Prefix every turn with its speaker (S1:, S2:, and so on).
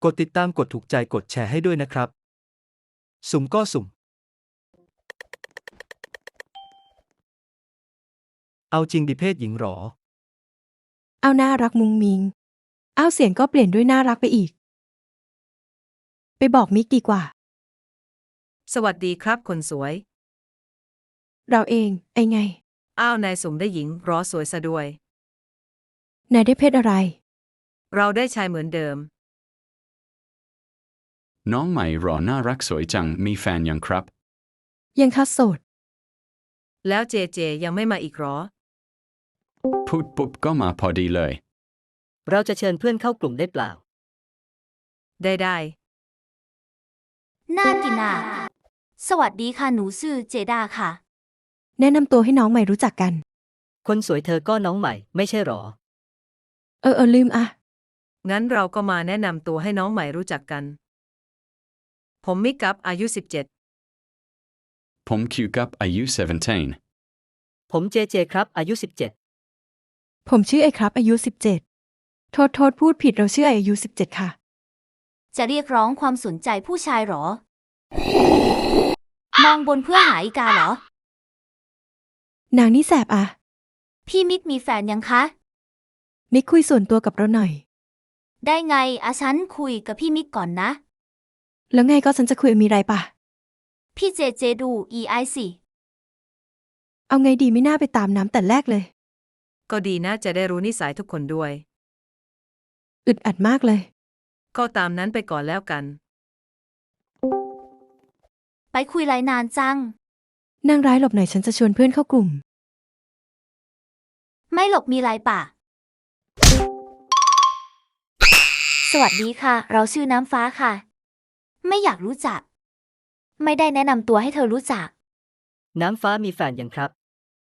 S1: กดติดตามกดถูกใจกดแชร์ให้ด้วยนะครับสุ่มก็สุ่มเอาจริงดิเพศหญิงหรอ
S2: เอาน่ารักมุงมิงเอาเสียงก็เปลี่ยนด้วยน่ารักไปอีกไปบอกมิกดีกว่า
S3: สวัสดีครับคนสวย
S2: เราเองไอไง
S3: อ้าวนายสุ่มได้หญิงรอสวยซะด้วย
S2: นายได้เพศอะไร
S3: เราได้ชายเหมือนเดิม
S4: น้องใหม่หรอน่ารักสวยจังมีแฟนยังครับ
S2: ยังคัดโสด
S3: แล้วเจเจยังไม่มาอีกหรอ
S4: พูดปุ๊บก็มาพอดีเลย
S5: เราจะเชิญเพื่อนเข้ากลุ่มได้เปล่า
S3: ได้
S6: น่ากินอ่ะสวัสดีค่ะหนูชื่อเจดาค่ะ
S2: แนะนำตัวให้น้องใหม่รู้จักกัน
S5: คนสวยเธอก็น้องใหม่ไม่ใช่หรอ
S2: ลืมอะ
S3: งั้นเราก็มาแนะนำตัวให้น้องใหม่รู้จักกันผมมิกกับอายุ17
S4: ผมคิวกับอายุ17
S5: ผมเจเจครับอายุ17
S2: ผมชื่อไอครับอายุ17โทษพูดผิดเราชื่อไออายุ17ค่ะ
S6: จะเรียกร้องความสนใจผู้ชายหรอมองบนเพื่อหาอีกาเหร
S2: อนางนี่แสบอะ
S6: พี่มิกมีแฟนยังคะ
S2: มิกคุยส่วนตัวกับเราหน่อย
S6: ได้ไงฉันคุยกับพี่มิกก่อนนะ
S2: แล้วไงก็ฉันจะคุยมีไรปะ
S6: พี่เจเจดูสิ
S2: เอาไงดีไม่น่าไปตามน้ำแต่แรกเลย
S3: ก็ดีนะจะได้รู้นิสัยทุกคนด้วย
S2: อึดอัดมากเลย
S3: ก็ตามนั้นไปก่อนแล้วกัน
S6: ไปคุยไรนานจัง
S2: นางร้ายหลบหน่อยฉันจะชวนเพื่อนเข้ากลุ่ม
S6: ไม่หลบมีไรป่ะสวัสดีค่ะเราชื่อน้ำฟ้าค่ะไม่อยากรู้จักไม่ได้แนะนำตัวให้เธอรู้จัก
S5: น้ำฟ้ามีแฟนยังครับ